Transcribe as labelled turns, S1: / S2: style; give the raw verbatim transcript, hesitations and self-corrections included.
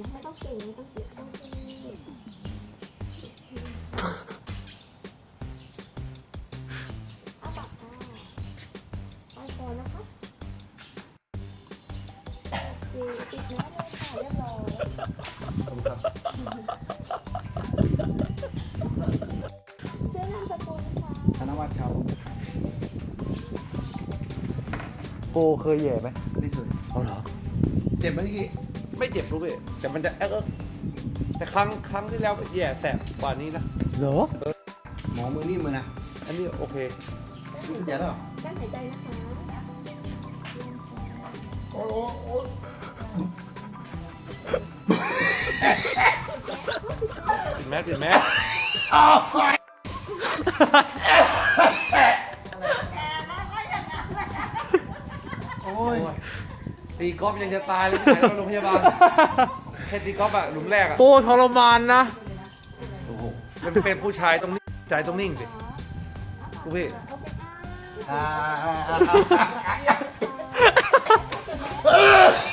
S1: ไม่ต้องเก่งไม่ต้องเก่งต้องเก่งเอาปากกาไปก่อนนะคะคือติดแล้วเลยค่ะเรียบร้อยชื่อนามสกุลค่ะ
S2: ธนวัฒน์ชาว
S3: โกเคยแย่ไหม
S2: ไม่เคย
S3: เอาเหรอ
S2: เจ็บไหมนี่กี้
S4: ไม่เจ็บรู้พี่แต่มันจะเอ๊ะเอ๊ะแต่ครั้งครั้งที่แล้วแย่แสบกว่านี้นะ
S3: เหรอ
S2: หมอมือนิ่มมือนะ
S4: อันนี้โอเค
S2: นี่คือแย่แล้วเหรอ
S1: กั้นหายใจนะคะ
S2: โอ้โหโอ้
S4: ติดแมสติดแมส
S2: โอ้ย
S4: ตีกอล์ฟยังจะตายเลยที่ไหนแล้วโรงพยาบาลแค่ตีกอล์ฟอะหลุมแรกอะ
S3: โกทรมานนะ
S2: โอ้โห
S4: มันเป็นผู้ชายต้องนิ่งใจต้องนิ่งสิกูพี่
S2: อ่า